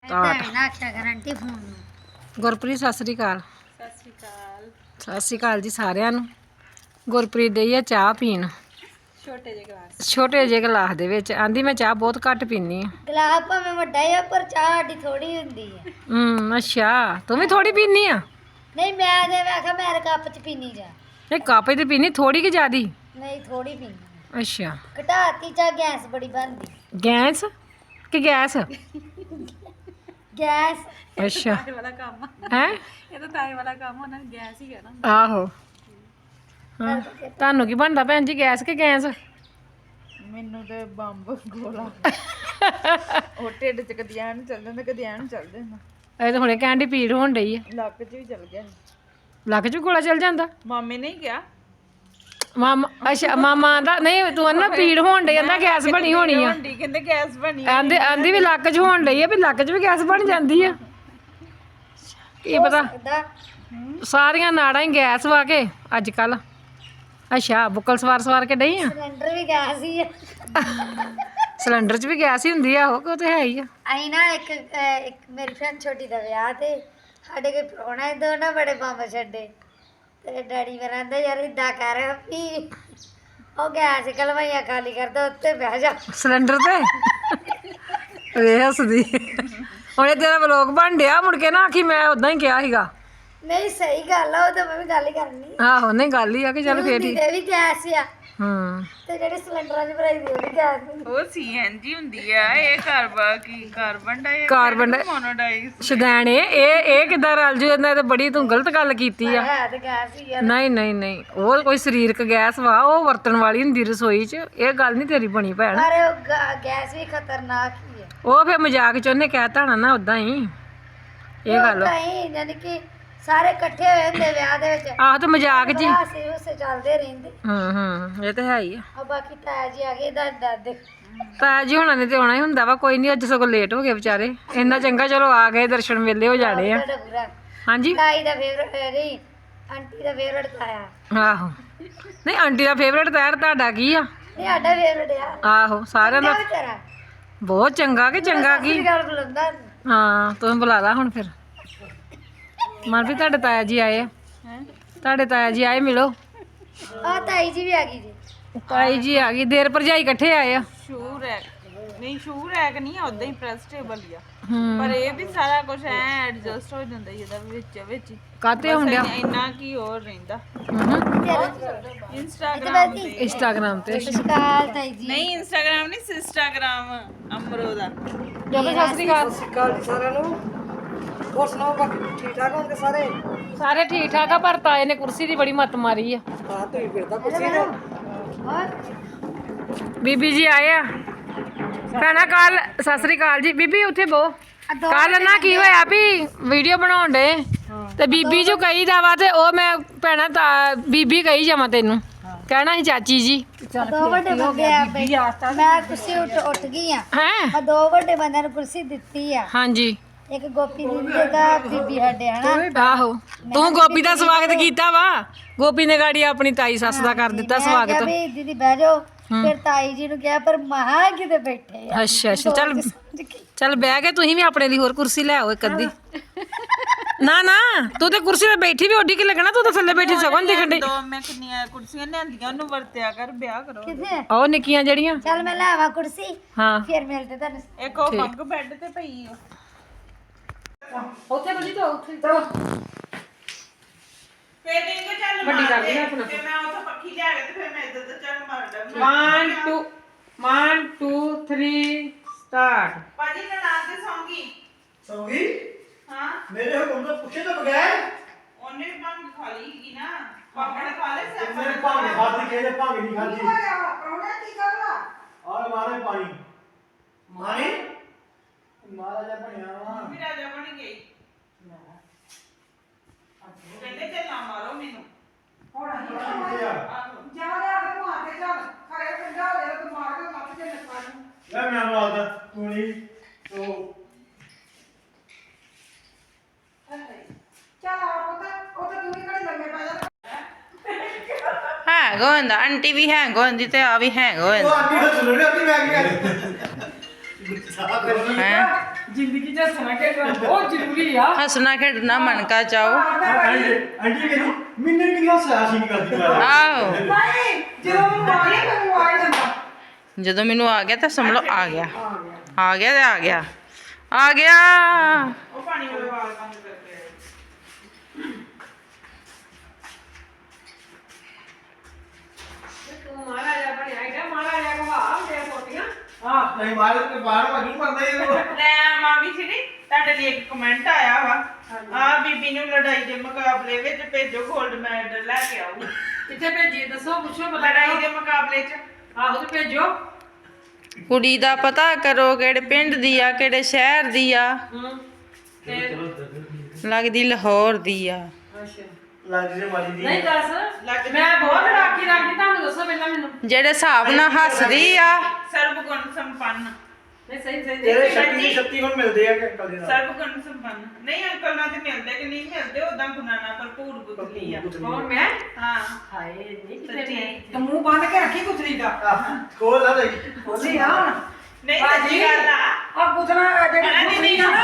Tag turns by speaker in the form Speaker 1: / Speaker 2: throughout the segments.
Speaker 1: Guarantee phone ਨੂੰ। ਗੁਰਪ੍ਰੀਤ ਸਤਿ ਸ੍ਰੀ ਅਕਾਲ।
Speaker 2: ਸਤਿ ਸ਼੍ਰੀ ਅਕਾਲ।
Speaker 1: ਸਤਿ ਸ੍ਰੀ ਅਕਾਲ ਜੀ ਸਾਰਿਆਂ ਨੂੰ। ਗੁਰਪ੍ਰੀਤ ਡਈ ਆ ਚਾਹ ਪੀਣ ਛੋਟੇ ਜਿਹੇ ਗਲਾਸ ਦੇ ਵਿੱਚ। ਆਂਦੀ ਮੈਂ ਚਾਹ ਬਹੁਤ ਘੱਟ ਪੀਨੀ ਆ।
Speaker 3: ਗਲਾਸ ਭਾਵੇਂ ਵੱਡਾ ਆ ਪਰ ਚਾਹ ਸਾਡੀ ਥੋੜੀ ਹੁੰਦੀ ਆ।
Speaker 1: ਅੱਛਾ ਤੂੰ ਵੀ ਥੋੜੀ ਪੀਨੀ ਆ?
Speaker 3: ਨਹੀਂ ਮੈਂ ਤੇ ਆਖਿਆ ਮੇਰੇ ਕੱਪ ਚ ਪੀਨੀ ਜਾ।
Speaker 1: ਇਹ ਕੱਪ ਤੇ ਪੀਨੀ ਥੋੜੀ ਕਿ ਜ਼ਿਆਦੀ?
Speaker 3: ਨਹੀਂ ਥੋੜੀ ਪੀਨੀ।
Speaker 1: ਅੱਛਾ
Speaker 3: ਘਟਾਤੀ ਚਾਹ ਗੈਸ ਬੜੀ ਬਣਦੀ।
Speaker 1: ਗੈਸ ਕਿ ਗੈਸ?
Speaker 3: ਗੈਸ।
Speaker 1: ਅੱਛਾ
Speaker 2: ਤਾਏ ਵਾਲਾ ਕੰਮ
Speaker 1: ਹੈ
Speaker 2: ਇਹ ਤਾਂ ਤਾਏ ਵਾਲਾ ਕੰਮ ਉਹਨਾਂ ਨੇ ਗੈਸ ਹੀ ਕਹਿਣਾ।
Speaker 1: ਆਹੋ ਹਾਂ ਤੁਹਾਨੂੰ ਕੀ ਬਣਦਾ ਭੈਣ ਜੀ ਗੈਸ ਕਿ ਗੈਸ?
Speaker 2: ਮੈਨੂੰ ਤੇ ਬੰਬ ਗੋਲਾ ਉਹ ਢਿੱਡ ਚ ਕਦੀ ਐਨ ਚੱਲ ਜਾਂਦਾ ਕਦੀ ਐਨ ਚੱਲ ਜਾਂਦਾ।
Speaker 1: ਇਹ ਤਾਂ ਹੁਣੇ ਕਹਿਣ ਦੀ ਪੀੜ ਹੋਣ ਡਈ ਆ।
Speaker 2: ਲੱਕ ਚ ਵੀ ਚੱਲ ਗਿਆ।
Speaker 1: ਲੱਕ 'ਚ ਵੀ ਗੋਲਾ ਚੱਲ ਜਾਂਦਾ?
Speaker 2: ਮਾਮੇ ਨੇ ਹੀ ਕਿਹਾ।
Speaker 1: ਮਾਮਾ ਅੱਛਾ ਮਾਮਾ ਆਂਦਾ ਨਹੀਂ ਤੂੰ ਨਾ ਪੀੜ ਹੋਣ ਡਈ ਕਹਿੰਦਾ ਗੈਸ ਬਣੀ ਹੋਣੀ ਆ।
Speaker 2: ਕਹਿੰਦੇ ਗੈਸ ਬਣੀ
Speaker 1: ਆਂਦੀ ਵੀ ਲੱਕ 'ਚ ਹੋਣ ਡਈ ਆ ਵੀ ਲੱਕ 'ਚ ਵੀ ਗੈਸ ਬਣ ਜਾਂਦੀ ਆ। ਕੀ ਪਤਾ ਸਾਰੀਆਂ ਨਾੜਾਂ ਹੀ ਗੈਸ ਵਾ ਕੇ ਅੱਜ ਕੱਲ। ਅੱਛਾ ਬੁੱਕਲ ਸਵਾਰ ਕੇ ਡਈ ਆ।
Speaker 3: ਸਿਲੰਡਰ ਵੀ ਗੈਸ ਹੀ ਆ।
Speaker 1: ਸਿਲੰਡਰ 'ਚ ਵੀ ਗੈਸ ਹੀ ਹੁੰਦੀ ਆ। ਉਹ ਤੇ ਹੈ ਹੀ ਆ।
Speaker 3: ਅਸੀਂ ਨਾ ਇੱਕ ਮੇਰੀ ਭੈਣ ਛੋਟੀ ਦਾ ਵਿਆਹ ਤੇ ਸਾਡੇ ਕੋਈ ਪ੍ਰਾਹੁਣਾ ਦੋ ਨਾ ਬੜੇ ਬੰਬ ਛੱਡੇ ਤੇ ਡੈਡੀ ਮੇਰਾ ਕਹਿੰਦਾ ਯਾਰ ਇਦਾਂ ਕਰ ਵੀ ਉਹ ਗੈਸ ਕਲਵਾਈਆਂ ਖਾਲੀ ਕਰਦਾ ਉੱਤੇ ਬਹਿ ਜਾ
Speaker 1: ਸਿਲੰਡਰ ਤੇ ਵੇ ਹੱਸਦੀ। ਹੁਣ ਇਹ ਤੇਰਾ ਵਲੋਗ ਬਣ ਡਿਆ ਮੁੜ ਕੇ ਨਾ ਆਖੀ ਮੈਂ ਉਦਾਂ ਹੀ ਕਿਹਾ ਸੀਗਾ।
Speaker 3: ਨਹੀਂ ਸਹੀ ਗੱਲ ਆ ਉਹ ਤਾਂ ਮੈਂ ਵੀ ਗੱਲ ਹੀ ਕਰਨੀ।
Speaker 1: ਆਹੋ ਨਹੀਂ ਗੱਲ ਹੀ ਆ ਕਿ ਚੱਲ ਫੇਰ ਠੀਕ।
Speaker 3: ਇਹ ਵੀ ਗੈਸ ਆ
Speaker 1: ਤੇ
Speaker 3: ਜਿਹੜੇ ਸਿਲੰਡਰਾਂ ਦੀ ਭਰਾਈ ਦੀ ਉਹ ਵੀ ਗੈਸ
Speaker 2: ਉਹ ਸੀਐਨਜੀ ਹੁੰਦੀ ਆ। ਇਹ ਕਾਰਬਨ ਮੋਨੋਆਕਸਾਈਡ
Speaker 1: ਸ਼ਦੈਣ ਇਹ ਕਿੱਦਾਂ ਰਲ ਜੂ? ਇਹਨਾਂ ਤੇ ਬੜੀ ਤੂੰ ਗਲਤ ਗੱਲ ਕੀਤੀ ਆ।
Speaker 3: ਹੈ ਤੇ ਗੈਸ ਹੀ ਆ।
Speaker 1: ਨਹੀਂ ਉਹ ਕੋਈ ਸਰੀਰਕ ਗੈਸ ਵਾ। ਉਹ ਵਰਤਣ ਵਾਲੀ ਹੁੰਦੀ ਰਸੋਈ 'ਚ। ਇਹ ਗੱਲ ਨਹੀਂ ਤੇਰੀ ਬਣੀ ਭੈਣ।
Speaker 3: ਪਰ ਉਹ ਗੈਸ ਵੀ ਖਤਰਨਾਕ ਹੀ ਆ।
Speaker 1: ਉਹ ਫੇਰ ਮਜ਼ਾਕ 'ਚ ਉਹਨੇ ਕਹਿ ਤਾਣਾ ਨਾ ਉਦਾਂ ਹੀ ਇਹ ਗੱਲ।
Speaker 3: ਨਹੀਂ ਯਾਨੀ ਕਿ ਸਾਰੇ ਇਕੱਠੇ ਹੋਏ ਹੁੰਦੇ ਵਿਆਹ ਦੇ ਵਿੱਚ।
Speaker 1: ਆਹ ਤੇ ਮਜ਼ਾਕ 'ਚ ਹੀ।
Speaker 3: ਹਾਸੇ ਚੱਲਦੇ ਰਹਿੰਦੇ।
Speaker 1: ਇਹ ਤਾਂ ਹੈ ਹੀ ਆ।
Speaker 3: ਆ ਬਾਕੀ ਤਾਇਆ ਜੀ ਆ ਗਏ ਦਾਦੇ।
Speaker 1: ਤਾਇਆ ਜੀ ਹੁਣਾਂ ਨੇ ਤੇ ਆਉਣਾ ਹੀ ਹੁੰਦਾ ਵਾ। ਕੋਈ ਨਹੀਂ ਅੱਜ ਸਗੋਂ ਲੇਟ ਹੋ ਗਏ ਵਿਚਾਰੇ। ਇੰਨਾ ਚੰਗਾ ਚਲੋ ਆ ਗਏ ਦਰਸ਼ਨ ਮੇਲੇ ਹੋ ਜਾਣੇ ਆ। ਹਾਂਜੀ
Speaker 3: ਤਾਈ ਦਾ ਫੇਵਰਟ ਨਹੀਂ ਆਂਟੀ ਦਾ ਫੇਵਰਟ ਤਾਇਆ।
Speaker 1: ਆਹੋ ਨਹੀਂ ਆਂਟੀ ਦਾ ਫੇਵਰਟ ਤਾਇਆ ਤੁਹਾਡਾ ਕੀ ਆ?
Speaker 3: ਨਹੀਂ ਸਾਡਾ ਫੇਵਰਟ ਆ।
Speaker 1: ਆਹੋ ਸਾਰਿਆਂ ਦਾ
Speaker 3: ਵਿਚਾਰਾ
Speaker 1: ਬਹੁਤ ਚੰਗਾ ਕਿ ਚੰਗਾ ਕੀ?
Speaker 3: ਗੱਲ ਬੁਲਾਉਂਦਾ।
Speaker 1: ਹਾਂ ਤੂੰ ਬੁਲਾ ਲਾ ਹੁਣ ਫਿਰ। ਮਨਪ੍ਰੀਤ ਤੁਹਾਡੇ ਤਾਇਆ ਜੀ ਆਏ ਆ। ਤੁਹਾਡੇ ਤਾਇਆ ਜੀ ਆਏ ਮਿਲੋ।
Speaker 3: ਆ ਤਾਈ ਜੀ ਵੀ ਆ ਗਈ ਜੀ।
Speaker 1: ਤਾਈ ਜੀ ਆ ਗਈ। ਦੇਰ ਭਰਜਾਈ ਇਕੱਠੇ ਆਏ ਆ।
Speaker 2: ਸ਼ੂ ਰੈਕ ਨਹੀਂ ਉਦਾਂ ਹੀ ਪ੍ਰੈਸ ਟੇਬਲ ਹੀ ਆ। ਪਰ ਇਹ ਵੀ ਸਾਰਾ ਕੁਝ ਐ ਐਡਜਸਟ ਹੋ ਜਾਂਦਾ ਇਹਦਾ ਵਿੱਚ ਹੀ।
Speaker 1: ਕਾਤੇ ਹੁੰਦਿਆ
Speaker 2: ਇੰਨਾ ਕੀ ਹੋਰ ਰਹਿੰਦਾ
Speaker 1: ਇੰਸਟਾਗ੍ਰਾਮ ਤੇ।
Speaker 3: ਸਸਕਾਲ ਤਾਈ ਜੀ।
Speaker 2: ਨਹੀਂ ਇੰਸਟਾਗ੍ਰਾਮ ਨਹੀਂ ਸਿਸਟਾਗ੍ਰਾਮ ਅਮਰੋ ਦਾ।
Speaker 1: ਸਤਿ ਸ਼੍ਰੀ ਅਕਾਲ
Speaker 4: ਸਾਰਿਆਂ ਨੂੰ। ਹੋਰ ਸੁਣਾਓ ਬਾਕੀ ਠੀਕ ਠਾਕ ਹੋਣਗੇ ਸਾਰੇ?
Speaker 1: ਸਾਰੇ ਠੀਕ ਠਾਕ ਆ ਪਰ ਤਾਏ ਨੇ ਕੁਰਸੀ ਦੀ ਬੜੀ ਮੱਤ ਮਾਰੀ ਆ।
Speaker 4: ਹਾਂ ਤੁਸੀਂ ਫਿਰਦਾ ਕੁਰਸੀ ਤੇ।
Speaker 1: ਬੀਬੀ ਜੀ ਆਏ ਆ ਭੈਣਾ ਕੱਲ। ਸਤਿ ਸ੍ਰੀ ਅਕਾਲ ਜੀ ਬੀਬੀ। ਉੱਥੇ ਬੋ ਕੱਲ ਨਾ ਕੀ ਹੋਇਆ ਵੀ ਵੀਡੀਓ ਬਣਾਉਣ ਡੇ ਤੇ ਬੀਬੀ ਜੋ ਕਹੀਦਾ ਵਾ ਤੇ ਉਹ ਮੈਂ ਭੈਣਾ ਬੀਬੀ ਕਹੀ ਜਾਵਾਂ ਤੈਨੂੰ ਕਹਿਣਾ ਸੀ ਚਾਚੀ ਜੀ।
Speaker 3: ਦੋ ਵੱਡੇ ਬੰਦੇ ਆ ਮੈਂ ਕੁਰਸੀ ਉੱਠ ਗਈ ਆ।
Speaker 1: ਹੈ
Speaker 3: ਦੋ ਵੱਡੇ ਬੰਦਿਆਂ ਨੂੰ ਕੁਰਸੀ ਦਿੱਤੀ ਆ।
Speaker 1: ਹਾਂਜੀ
Speaker 3: ਇੱਕ ਗੋਪੀ ਦੀਦੀ ਦਾ ਬੀਬੀ ਸਾਡੇ ਹਨਾ।
Speaker 1: ਆਹੋ ਤੂੰ ਗੋਪੀ ਦਾ ਸਵਾਗਤ ਕੀਤਾ ਵਾ। ਗੋਪੀ ਨੇ ਗਾੜੀ ਆਪਣੀ ਤਾਈ ਸੱਸ ਦਾ ਕਰ ਦਿੱਤਾ ਸਵਾਗਤ।
Speaker 3: ਵੀ ਦੀਦੀ ਬਹਿ ਜਾਓ। ਫਿਰ ਤਾਈ ਜੀ ਨੂੰ ਕਿਹਾ ਪਰ ਮਹਾ ਕਿਤੇ ਬੈਠੇ ਆ।
Speaker 1: ਅੱਛਾ ਚੱਲ ਬਹਿ ਕੇ ਤੁਸੀਂ ਵੀ ਆਪਣੇ ਲਈ ਹੋਰ ਕੁਰਸੀ ਲੈ ਆਓ ਇੱਕ ਅੱਧੀ। ਨਾ ਤੂੰ ਤੇ ਕੁਰਸੀ ਤੇ ਬੈਠੀ ਵੀ ਓਡੀ ਕੀ ਲੱਗਣਾ। ਤੂੰ ਤਾਂ ਥੱਲੇ ਬੈਠੀ ਸਗੋਂ ਦਿਖਣ ਡਈ।
Speaker 2: ਦੋ ਮੈਂ ਕਿੰਨੀਆਂ ਕੁਰਸੀਆਂ ਲਿਆਂਦੀਆਂ ਉਹਨੂੰ ਵਰਤਿਆ ਕਰ ਵਿਆਹ ਕਰੋ।
Speaker 3: ਕਿੱਥੇ?
Speaker 1: ਉਹ ਨਿੱਕੀਆਂ ਜਿਹੜੀਆਂ।
Speaker 3: ਚੱਲ ਮੈਂ ਲੈ ਆਵਾਂ ਕੁਰਸੀ
Speaker 1: ਹਾਂ
Speaker 3: ਫਿਰ ਮਿਲਦੇ ਤੁਹਾਨੂੰ।
Speaker 2: ਇੱਕ ਉਹ ਬੰਗ ਬੈੱਡ ਤੇ ਪਈ ਆ।
Speaker 1: ਉੱਥੇ ਬਜੀ ਤੋਂ ਉੱਥੇ ਚਲੋ
Speaker 2: ਫੇਰ ਦੇਖੋ ਚੱਲ
Speaker 1: ਵੱਡੀ ਕਰ ਲਈ ਆਪਣਾ।
Speaker 2: ਤੇ ਮੈਂ ਉੱਥੇ ਪੱਖੀ ਲਿਆ ਕੇ ਤੇ ਫਿਰ ਮੈਂ ਇੱਧਰ ਤੇ ਚੱਲ ਮਾਰ ਦਾਂ।
Speaker 1: 1 2 3 ਸਟਾਰਟ।
Speaker 2: ਭਾਜੀ ਨਨਾਣ ਦੇ ਸੌਂਗੀ।
Speaker 4: ਸੌਂਗੀ?
Speaker 2: ਹਾਂ
Speaker 4: ਮੇਰੇ ਹੁਕਮ ਤੋਂ ਪੁੱਛੇ ਤੋਂ ਬਗੈਰ
Speaker 2: ਉਹਨੇ ਵੀ ਭੰਗ ਖਾ ਲਈ ਸੀਗੀ ਨਾ। ਪਾਪਾ ਨੇ ਖਾ ਲਿਆ ਸੀ।
Speaker 4: ਮੇਰੇ ਭਾਂਗ ਖਾਦੀ ਕਿਹਦੇ ਭਾਂਗ ਨਹੀਂ ਖਾਦੀ।
Speaker 2: ਪ੍ਰਾਹੁਣਾ ਕੀ ਕਰਵਾ?
Speaker 4: ਆਹ ਮਾਰੇ ਪਾਣੀ ਮਾਰੇ ਮਹਾਰਾਜਾ ਬਣਿਆ ਵਾ।
Speaker 2: ਵੀ ਰਾਜਾ ਬਣ ਗਈ। ਕਹਿੰਦੇ ਚੱਲਾਂ ਮਾਰੋ ਮੈਨੂੰ।
Speaker 4: ਆਹੋ।
Speaker 2: ਜਾ ਲਿਆ ਕੇ ਮਾਰ ਕੇ ਚੱਲ ਖਰੇ ਪੰਜਾ ਲੈ ਤੇ ਮਾਰ ਕੇ ਮੱਥ ਤੇ ਨੱਪਾ ਨੂੰ।
Speaker 4: ਲੈ ਮੈਂ ਮਾਰਦਾ ਤੂੰ ਨਹੀਂ ਤੋ
Speaker 2: ਚੱਲ ਆ ਪੁੱਤ ਉਹ ਤਾਂ ਤੂੰ ਹੀ ਘੜੀ ਲੰਮੇ ਪੈ ਜਾ।
Speaker 5: ਹੈਂਗ ਹੋ ਜਾਂਦਾ ਆਂਟੀ ਵੀ ਹੈਂਗ ਹੋ ਜਾਂਦੀ ਤੇ ਆ ਵੀ ਹੈਂਗ ਹੋ
Speaker 4: ਉਹ
Speaker 5: ਜਾਂਦਾ
Speaker 4: ਆਂਟੀ ਨੂੰ ਸੁਣੋ ਨਹੀਂ ਆਂਟੀ ਮੈਂ ਕੀ ਕਰ
Speaker 5: ਹੈ
Speaker 1: ਜ਼ਿੰਦਗੀ 'ਚ ਹੱਸਣਾ ਖੇਡਣਾ ਬਹੁਤ ਜ਼ਰੂਰੀ ਆ।
Speaker 5: ਹੱਸਣਾ ਖੇਡਣਾ ਮਨ ਕਾ ਚਾਓ।
Speaker 6: ਆਂਟੀ ਕਹਿੰਦੀ ਮੈਨੂੰ ਨਹੀਂ ਹੱਸਿਆ ਸੀ ਨਹੀਂ ਕਰਦੀ ਮੈਂ
Speaker 5: ਆਓ
Speaker 4: ਨਹੀਂ ਜਦੋਂ ਮੈਨੂੰ ਆ ਗਿਆ ਮੈਨੂੰ ਆ ਹੀ ਜਾਂਦਾ
Speaker 5: ਜਦੋਂ ਮੈਨੂੰ ਆ ਗਿਆ ਤਾਂ ਸਮਝ ਲਓ ਆ ਗਿਆ ਆ ਗਿਆ ਤੇ ਆ ਗਿਆ ਆ ਗਿਆ।
Speaker 2: ਉਹ ਪਾਣੀ ਵਾਲੇ ਵਾਲ ਬੰਦ ਕਰਕੇ ਆਏ।
Speaker 1: ਤੂੰ ਮਹਾਰਾਜਾ ਬਣਿਆ ਹੈਗਾ, ਮਹਾਰਾਜਾ ਘਵਾ ਮੇਰੇ ਪੋਤੀਆਂ।
Speaker 6: ਹਾਂ ਨਹੀਂ ਮਾਰੇ ਤੇ ਬਾਹਰ ਮਗੀ ਮਰਦਾ ਇਹ
Speaker 2: ਲੈ ਮਾਮੀ ਜੀ ਨੀ ਤੁਹਾਡੇ ਲਈ ਇੱਕ ਕਮੈਂਟ ਆਇਆ ਵਾ ਆ ਬੀਬੀ ਨੂੰ ਲੜਾਈ ਦੇ ਮੁਕਾਬਲੇ ਵਿੱਚ ਭੇਜੋ 골ਡ ਮੈਡਲ ਲੈ ਕੇ ਆਓ।
Speaker 1: ਕਿੱਥੇ ਭੇਜੀ ਦੱਸੋ, ਪੁੱਛੋ ਪਤਾ
Speaker 2: ਲੜਾਈ ਦੇ ਮੁਕਾਬਲੇ 'ਚ
Speaker 1: ਆਹੋ ਤੇ ਭੇਜੋ।
Speaker 5: ਕੁੜੀ ਦਾ ਪਤਾ ਕਰੋ ਕਿਹੜੇ ਪਿੰਡ ਦੀ ਆ ਕਿਹੜੇ ਸ਼ਹਿਰ ਦੀ ਆ। ਲੱਗਦੀ ਲਾਹੌਰ ਦੀ ਆ।
Speaker 1: ਅੱਛਾ
Speaker 6: ਲੱਗ ਜੇ ਮਾਰੀ ਦੀ
Speaker 1: ਨਹੀਂ ਦੱਸ,
Speaker 2: ਲੱਗਦੀ
Speaker 1: ਮੈਂ ਬਹੁਤ ਰਾਖੀ ਰੱਖਦੀ, ਤੁਹਾਨੂੰ ਦੱਸੋ ਪਹਿਲਾਂ ਮੈਨੂੰ।
Speaker 5: ਜਿਹੜੇ ਹਿਸਾਬ ਨਾਲ ਹੱਸਦੀ ਆ।
Speaker 2: ਸਰਬ ਗੁਣ ਸੰਪੰਨ।
Speaker 1: ਨਹੀਂ ਸਹੀ ਸਹੀ
Speaker 6: ਤੇਰੇ ਸ਼ਕਤੀ ਗੁਣ ਮਿਲਦੇ ਆ ਕਿ ਅੰਕਲ ਦੇ ਨਾਲ
Speaker 2: ਸਰਬ ਗੁਣ ਸੰਪੰਨ ਨਹੀਂ ਅੰਕਲ ਨਾਲ ਤੇ ਮਿਲਦੇ ਕਿ ਨਹੀਂ ਮਿਲਦੇ ਉਦਾਂ ਗੁਣਾਂ ਨਾਲ ਭਰਪੂਰ ਗੁਜ਼ਰੀ ਆ।
Speaker 1: ਕੌਣ ਮੈਂ?
Speaker 2: ਹਾਂ
Speaker 1: ਹਾਏ ਨਹੀਂ ਕਿਤੇ
Speaker 2: ਸੱਚੀ।
Speaker 1: ਮੈਂ।
Speaker 4: ਤੇ ਮੂੰਹ ਬੰਦ ਕੇ ਰੱਖੀ ਕੁਤਰੀ ਦਾ
Speaker 6: ਕੋਲ ਆ ਦੇ
Speaker 4: ਬੋਲੀ ਆ ਹੁਣ
Speaker 2: ਨਹੀਂ ਸੱਚੀ ਗੱਲ ਆ।
Speaker 4: ਆ ਪੁੱਛਣਾ ਜਿਹੜੀ ਕੁਤਰੀ ਆ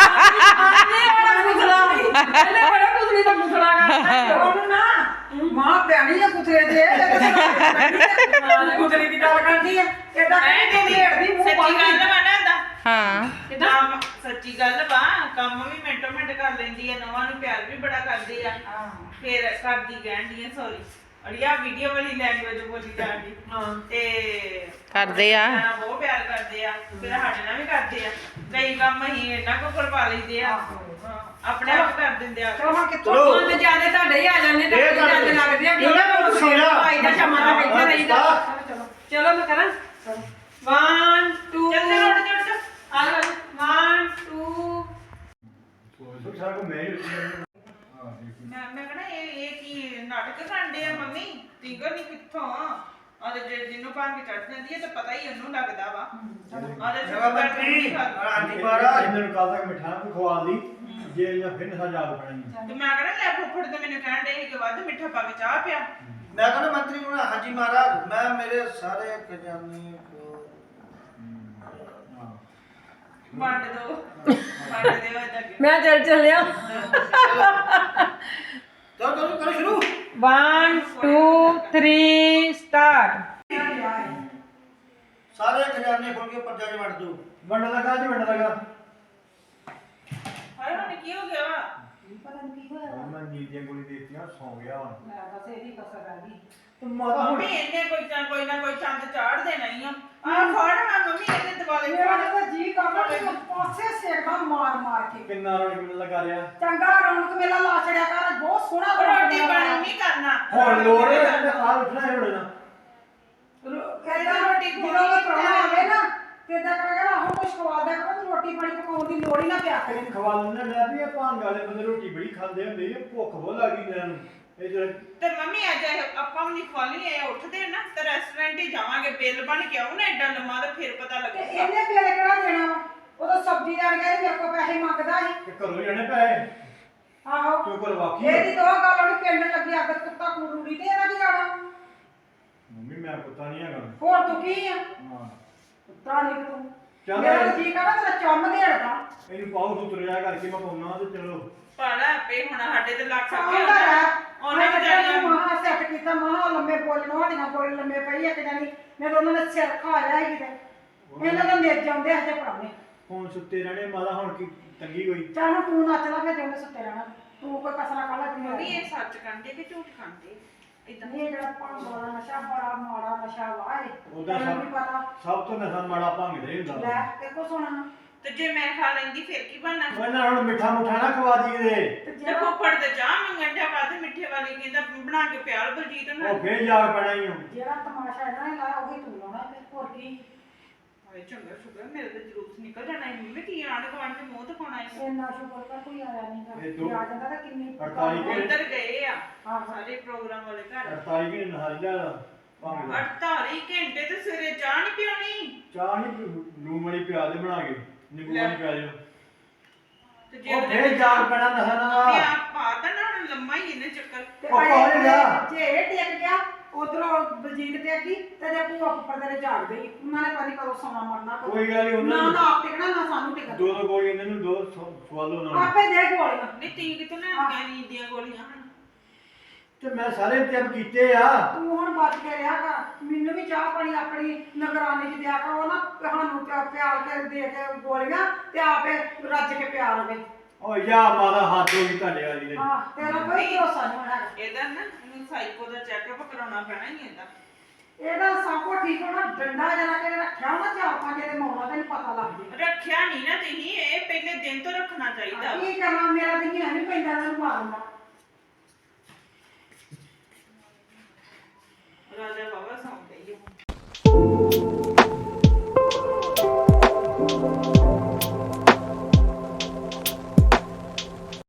Speaker 1: ਪਹਿਲੇ ਬੜਾ ਕੁਦਰੀ ਦਾ ਪੁੱਛਣਾ ਗਾ।
Speaker 4: ਉਹਨੂੰ ਨਾ ਮਾਂ ਪਿਆਣੀ ਆ ਕੁਤਰੇ ਦੇ ਕੁਤਰੀ ਦੀ ਗੱਲ ਕਰਦੀ ਆ ਇਹਦਾ ਕਹਿੰਦੀ ਢੇੜਦੀ ਮੂੰਹ
Speaker 2: ਸੱਚੀ
Speaker 4: ਬੰਦ
Speaker 2: ਗੱਲ ਵਾ ਨਾ ਦਾ
Speaker 5: ਹਾਂ
Speaker 2: ਕੰਮ ਸੱਚੀ ਗੱਲ ਵਾ ਕੰਮ ਵੀ ਮਿੰਟੋ ਮਿੰਟ ਕਰ ਲੈਂਦੀ ਆ ਨਵਾਂ ਨੂੰ ਪਿਆਰ ਵੀ ਬੜਾ ਕਰਦੀ ਆ ਫਿਰ ਕਰਦੀ ਕਹਿੰਦੀ ਆ ਸੌਰੀ ਅੜੀਆ ਵੀਡੀਓ ਵਾਲੀ ਲੈਂਗੁਏਜ ਬੋਲੀ ਜਾਂਦੀ ਤੇ
Speaker 5: ਕਰਦੇ ਆ।
Speaker 2: ਹਾਂ, ਬਹੁਤ ਪਿਆਰ ਕਰਦੇ ਆ ਫਿਰ ਸਾਡੇ ਨਾਲ ਵੀ ਕਰਦੇ ਆ ਕਈ ਕੰਮ ਅਸੀਂ ਇਹਨਾਂ ਕੋਲ ਕਰਵਾ ਲਈਦੇ ਆ ਆਪਣੇ ਆਪ ਕਰ ਦਿੰਦੇ ਆ
Speaker 4: ਚਲੋ ਹੁਣ ਕਿੱਥੋਂ
Speaker 6: ਚਲੋ
Speaker 1: ਹੁਣ ਤੇ ਜਿਆਦੇ ਤੁਹਾਡੇ ਹੀ ਆ ਜਾਂਦੇ, ਤੁਹਾਡੇ ਜਾਂਦੇ ਲੱਗਦੇ ਆ।
Speaker 6: ਇਹਨਾਂ ਨੂੰ ਸਿਰਾ
Speaker 1: ਭਾਈ ਦਾ ਸ਼ਾਮਾਂ ਦਾ ਬੈਠਾ ਰਹੀਦਾ। ਚਲੋ ਮੈਂ ਕਰਾਂ 1 2
Speaker 2: ਚੱਲ ਰੋਟ ਜੋੜ
Speaker 1: ਆ ਲਓ 1 2
Speaker 6: ਸਾਰਾ ਕੋ ਮੈਂ
Speaker 2: ਮੈਂ ਕਹਣਾ ਇਹ ਕੀ ਨਾਟਕ ਕਰਦੇ ਆ ਮੰਮੀ ਟਿੰਗਰ ਨਹੀਂ ਕਿੱਥੋਂ ਆ ਤੇ ਜਿਹਨੂੰ ਭਾਂਗ ਚੜ ਜਾਂਦੀ ਹੈ ਤਾਂ ਪਤਾ ਹੀ ਉਹਨੂੰ ਲੱਗਦਾ ਵਾ ਆਦੇ
Speaker 6: ਜਗਾ ਬੱਤੀ ਆਂਟੀ ਮਾਰਾ ਇਹਨਾਂ ਨੂੰ ਕੱਲ ਤੱਕ ਮਿਠਾਈ ਕੋ ਖਵਾ ਦੀ ਜੇ ਇਹਨਾਂ ਫਿਰ ਨਸਾ ਯਾਦ ਪੈਣੀ
Speaker 2: ਤੇ ਮੈਂ ਕਹਣਾ ਲੈ ਫੁੱਫੜ ਤੇ ਮੈਨੂੰ ਕਹਿਣ ਦੇ ਕਿ ਵੱਧ ਮਿੱਠਾ ਪਾ ਕੇ ਚਾਹ ਪਿਆ
Speaker 7: ਮੈਂ ਕਹਿੰਦਾ ਮੰਤਰੀ ਨੂੰ ਹਾਂਜੀ ਮਹਾਰਾਜ ਮੈਂ ਮੇਰੇ ਸਾਰੇ ਖਜ਼ਾਨੇ ਕੋ
Speaker 2: ਵੰਡ ਦਿਓ ਇਹਦਾ ਕੀ
Speaker 1: ਮੈਂ ਚੱਲਿਆ
Speaker 7: ਚਲੋ ਕਰੋ ਸ਼ੁਰੂ
Speaker 1: 1 2 3 ਸਟਾਰਟ।
Speaker 7: ਸਾਰੇ ਖਜ਼ਾਨੇ ਖੋਲ ਕੇ ਪਰਜਾ 'ਚ ਵੰਡ ਦਿਓ
Speaker 6: ਵੰਡ ਲਗਾ ਜੀ ਵੰਡ ਲਗਾ
Speaker 2: ਹਾਏ ਹੁਣ ਕੀ ਹੋ ਗਿਆ ਵਾ
Speaker 6: ਮੈਂ ਨੀਂਦ ਦੀਆਂ ਗੋਲੀ ਦੇਤੀਆਂ ਸੌ ਗਿਆ ਹੁਣ
Speaker 4: ਬਸ ਇਹਦੀ ਕਸਰ ਆ ਗਈ
Speaker 6: ਤੇ ਮਾਤਾ ਹੁਣ
Speaker 2: ਮੰਮੀ ਇਹਨੇ ਕੋਈ ਨਾ ਕੋਈ ਚੰਦ ਚਾੜ ਦੇਣਾ ਹੀ ਆ ਫੜ ਹਾਂ ਮੰਮੀ ਇਹਦੇ ਦਿਵਾਲੇ
Speaker 4: ਮੇਰਾ
Speaker 2: ਫੜ
Speaker 4: ਤਾਂ ਜੀ ਕਰਦਾ ਕਿ ਪਾਸੇ ਸੇਕਦਾ ਮਾਰ ਮਾਰ ਕੇ
Speaker 6: ਕਿੰਨਾ ਰੌਣਕ ਲਗਾ ਰਿਹਾ
Speaker 4: ਚੰਗਾ ਰੌਣਕ ਮੇਲਾ ਲਾ ਛੜਿਆ ਕਰ ਬਹੁਤ ਸੋਹਣਾ
Speaker 2: ਰੋਟੀ ਪਾਣੀ ਨਹੀਂ ਕਰਨਾ
Speaker 6: ਹੁਣ ਲੋੜ ਹੈ ਆ ਉੱਠਣਾ ਹੈ ਹੁਣ
Speaker 4: ਕਹਿੰਦਾ ਰੋਟੀ ਜਦੋਂ ਵੀ ਪ੍ਰਾਹੁਣਾ ਆਵੇ ਨਾ ਤੇ ਇਦਾਂ ਕਰਾਂਗਾ ਹੁਣ ਕੁਝ ਖਵਾ ਦਿਆ ਕਰੋ ਤੂੰ ਰੋਟੀ ਪਾਣੀ ਪਕਾਉਣ ਦੀ ਲੋੜ ਹੀ ਨਾ ਪਿਆ ਕਰੇ
Speaker 6: ਖਵਾ ਲੈਣਾ ਲੈ ਵੀ ਇਹ ਭੰਗ ਵਾਲੇ ਬੰਦੇ ਰੋਟੀ ਬੜੀ ਖਾਂਦੇ ਹੁੰਦੇ ਇਹ ਭੁੱਖ ਬਹੁਤ ਲੱਗੀ ਇਹਨਾਂ ਨੂੰ ਇਹ ਜਿਹੜੇ
Speaker 2: ਤੇ ਮੰਮੀ ਅੱਜ ਆਪਾਂ ਵੀ ਖਵਾਲੀ ਇਹ ਉੱਠਦੇ ਨਾ ਤੇ ਰੈਸਟੋਰੈਂਟ ਹੀ ਜਾਵਾਂਗੇ ਬਿੱਲ ਬਣ ਕੇ ਆਉ ਨਾ ਐਡਾ ਲੰਮਾ ਤੇ ਫਿਰ ਪਤਾ
Speaker 4: ਤੇ
Speaker 2: ਲੱਗੂਗਾ
Speaker 4: ਇਹਨੇ ਬਿੱਲ ਕਿਹੜਾ ਦੇਣਾ ਵਾ? ਉਦੋਂ ਸਬਜ਼ੀ ਲੈਣ ਗਿਆ ਤੇ ਮੇਰੇ ਕੋਲ ਪੈਸੇ ਮੰਗਦਾ ਸੀ
Speaker 6: ਤੇ ਘਰੋਂ ਜਾਣੇ ਪਏ
Speaker 4: ਆਹੋ
Speaker 6: ਕਿਉਂ ਕੋਲ ਵਾਕੀ
Speaker 4: ਇਹਦੀ ਦੋ ਗੱਲ ਉਹਨੇ ਪਿੰਡ ਲੱਗੀ ਅੱਗ ਕੁੱਤਾ ਕੁੜੂੜੀ ਤੇ ਇਹਦਾ ਕੀ ਜਾਣਾ
Speaker 6: ਮੰਮੀ ਮੈਂ ਕੁੱਤਾ ਨਹੀਂ ਹੈਗਾ
Speaker 4: ਹੋਰ ਤੂੰ ਕੀ ਆ
Speaker 6: ਹਾਂ
Speaker 4: ਕੁੱਤਾ ਨਹੀਂ ਤੂੰ
Speaker 6: ਚੱਲ
Speaker 4: ਮੇਰਾ ਤਾਂ ਜੀ ਕਰਦਾ ਤੇਰਾ ਚੰਮ ਦੇੜਦਾ
Speaker 6: ਇਹਨੂੰ ਪਾਉ ਤੂੰ ਤੁਰਿਆ ਕਰਕੇ ਮੈਂ ਪਾਉਣਾ ਤੇ ਚਲੋ
Speaker 2: ਪਾਲਾ ਆਪੇ ਹੁਣ ਸਾਡੇ ਤੇ ਲੱਗ
Speaker 4: ਆਉਂਦਾ
Speaker 2: ਸਕਿਆ
Speaker 4: ਹੈ
Speaker 2: ਉਹਨੇ
Speaker 4: ਉਹਨੇ
Speaker 2: ਵਿਚਾਰੀਆਂ
Speaker 4: ਮਹਾ ਸੈੱਟ ਕੀਤਾ ਮਹਾ ਲੰਮੇ ਬੋਲਣ ਵਾਲੀਆਂ ਕੋਲ ਲੰਮੇ ਪਈ ਇੱਕ ਜਾਨੀ ਮੈਂ ਤਾਂ ਉਹਨਾਂ ਨੇ ਸਿਰ ਖਾਇਆ ਹੀ ਕਿਤੇ ਇਹਨਾਂ ਦਾ ਮੇਜ ਜਾਂਦੇ ਹਜੇ ਪੜਾਉਣੇ
Speaker 6: ਹੁਣ ਸੁੱਤੇ ਰਹਿਣੇ ਮਾਤਾ ਹੁਣ ਕੀ ਤੰਗੀ ਕੋਈ
Speaker 4: ਚੱਲ ਹੁਣ ਤੂੰ ਨੱਚ ਲਾ ਫਿਰ ਜਿਉਂਦੇ ਸੁੱਤੇ ਰਹਿਣਾ ਤੂੰ ਕੋਈ ਕਸਰਾ ਕਾਲਾ
Speaker 2: ਮੰਮੀ
Speaker 4: ਨਹੀਂ
Speaker 2: ਇਹ ਸੱਚ ਕਹਿੰਦੇ ਕਿ ਝੂਠ ਖਾਂਦੇ ਇਦਾਂ
Speaker 4: ਇਹ ਜਿਹੜਾ ਭੰਗ ਵਾਲਾ ਨਸ਼ਾ ਬੜਾ ਮਾੜਾ ਨਸ਼ਾ ਵਾ ਇਹ
Speaker 6: ਉਹਦਾ
Speaker 4: ਤੈਨੂੰ ਵੀ ਪਤਾ
Speaker 6: ਸਭ ਤੋਂ ਨਸ਼ਾ ਮਾੜਾ ਭੰਗ ਦੇ ਹੁੰਦਾ
Speaker 4: ਲੈ ਦੇਖੋ ਸੁਣਾ
Speaker 2: ਤੇ ਜੇ ਮੈਂ ਖਾ ਲੈਂਦੀ ਫਿਰ ਕੀ ਬਣਨਾ
Speaker 6: ਉਹਨਾਂ ਹੁਣ ਮਿੱਠਾ ਮੁੱਠਾ ਨਾ ਖਵਾ ਦੀ ਕਿਤੇ
Speaker 4: ਤੇ
Speaker 2: ਤੇ
Speaker 4: ਜਿਹੜਾ
Speaker 2: ਫੁੱਫੜ ਤੇ ਚਾਹ ਮੰਗਣ ਜਾ ਬਾਅਦ ਮਿੱਠੇ ਵਾਲੀ ਕਹਿੰਦਾ ਬਣਾ ਕੇ ਪਿਆਲ ਬਲਜੀਤ ਨੂੰ
Speaker 6: ਉਹ ਫੇਰ ਜਾ ਪੈਣਾ ਹੀ
Speaker 4: ਜਿਹੜਾ ਤਮਾਸ਼ਾ ਇਹਨਾਂ ਨੇ ਲਾਇਆ ਉਹੀ ਤੂੰ ਲਾਉਣਾ ਤੇ ਹੋਰ ਕੀ
Speaker 2: ਹਾਏ ਚੰਗਾ ਸ਼ੁਕਰ ਮੇਰੇ ਤੇ ਜਲੂਸ ਨਿਕਲ ਜਾਣਾ ਹੈ ਮੰਮੀ ਕੀ ਆਂਢ ਗੁਆਂਢ ਚ ਮੂੰਹ ਦਿਖਾਉਣਾ ਹੈ
Speaker 4: ਇੰਨਾ ਸ਼ੁਕਰ ਕਰ ਕੋਈ ਆਇਆ ਨਹੀਂ
Speaker 6: ਇਹ ਦੋ-
Speaker 4: ਆ ਜਾਂਦਾ ਤਾਂ ਕਿੰਨੀ
Speaker 6: 48 ਘੰਟੇ
Speaker 2: ਉਧਰ ਗਏ ਆ
Speaker 4: ਹਾਂ।
Speaker 2: ਸਾਰੇ ਪ੍ਰੋਗਰਾਮ ਵਾਲੇ ਘਰ
Speaker 6: 48 ਘੰਟੇ ਨਹਾਰੀ ਜਾ ਭੰਗ ਦਾ
Speaker 2: 48 ਘੰਟੇ ਤੇ ਸਵੇਰੇ ਚਾਹ ਨਹੀਂ ਪਿਉਣੀ
Speaker 6: ਚਾਹ ਨਹੀਂ ਲੂਣ ਵਾਲੀ ਪਿਆ ਦੇ ਬਣਾ ਕੇ ਨਿੰਬੂ ਵਾਲੀ ਪਿਆ ਦੇ
Speaker 2: ਤੇ ਜੇ
Speaker 6: ਉਹ ਫੇਰ ਜਾ ਪੈਣਾ ਨਸ਼ਾ
Speaker 2: ਮੰਮੀ
Speaker 6: ਨਾ
Speaker 2: ਆਪ ਪਾ ਤਾਂ ਨਾ ਹੁਣ ਲੰਮਾ ਹੀ ਇਹਨੇ ਚੱਕਰ
Speaker 4: ਤੇ
Speaker 6: ਉਹ ਕੌਣ ਗਿਆ?
Speaker 4: ਜੇ ਇਹ ਟਿਕ ਗਿਆ ਉਧਰੋਂ ਬਲਜੀਤ ਤੇ ਕੀ ਤੇ ਜੇ ਭੂਆ ਉੱਪਰ ਤੇਰੇ ਜਾਗ ਗਈ ਉਹਨਾਂ ਨੇ ਪਤਾ ਕਦੋਂ ਸੌਣਾ ਮਰਨਾ ਕਦੋਂ।
Speaker 6: ਕੋਈ ਗੱਲ ਨੀ, ਉਹਨਾਂ
Speaker 4: ਨਾ
Speaker 6: ਨੂੰ-
Speaker 4: ਨਾ ਆਪ ਟਿਕਣਾ ਨਾ ਸਾਨੂੰ ਟਿਕਣਾ।
Speaker 6: ਦੋ ਦੋ ਗੋਲੀਆਂ ਇਹਨਾਂ ਨੂੰ ਦੋ ਸਵਾਲੋ ਨਾਲ
Speaker 4: ਆਪੇ ਦੇ ਗੋਲੀਆਂ।
Speaker 2: ਨਹੀਂ ਤੀ ਕਿਤੋਂ ਲੈਣੀਆਂ ਨੀਂਦ ਦੀਆਂ ਗੋਲੀਆਂ ਹੁਣ?
Speaker 6: ਤੇ ਮੈਂ ਸਾਰੇ ਇੰਤਜ਼ਾਮ ਕੀਤੇ ਆ।
Speaker 4: ਤੂੰ ਹੁਣ ਬਚ ਕੇ ਰਿਹਾ ਕਰ। ਮੈਨੂੰ ਵੀ ਚਾਹ ਪਾਣੀ ਆਪਣੀ ਨਿਗਰਾਨੀ 'ਚ ਦਿਆ ਕਰ। ਉਹ ਨਾ ਸਾਨੂੰ ਪਿਆਲ ਕੇ ਦੇ ਕੇ ਗੋਲੀਆਂ ਤੇ ਆਪੇ ਰੱਜ ਕੇ ਪਿਆ ਲਵੇ।
Speaker 6: ਓ ਯਾ ਮਾਦਾ ਹੱਥ ਹੋ ਗਈ ਤੁਹਾਡੇ ਵਾਲੀ ਦੇ।
Speaker 4: ਹਾਂ ਤੇਰਾ ਕੋਈ ਭਰੋਸਾ ਨਹੀਂ ਹੋਣਾ।
Speaker 2: ਇਹਦਾ ਨਾ ਇਹਨੂੰ ਸਾਈਕੋ ਦਾ ਚੈੱਕਅਪ ਕਰਾਉਣਾ ਪੈਣਾ ਹੀ ਇਹਦਾ।
Speaker 4: ਇਹਦਾ ਸਭ ਕੁਝ ਠੀਕ ਹੋਣਾ। ਡੰਡਾ ਜਰਾ ਕੇ ਰੱਖਿਆ ਹੋਣਾ 4-5 ਦੇ ਮੌਣਾ ਤੈਨੂੰ ਪਤਾ ਲੱਗ ਜੇ।
Speaker 2: ਰੱਖਿਆ ਨਹੀਂ ਨਾ ਤੁਸੀਂ, ਇਹ ਪਹਿਲੇ ਦਿਨ ਤੋਂ ਰੱਖਣਾ ਚਾਹੀਦਾ ਵਾ।
Speaker 4: ਕੀ ਕਰਨਾ, ਮੇਰਾ ਤਾਂ ਨਹੀਂ ਪੈਂਦਾ ਇਹਨੂੰ ਮਾਰਨਾ।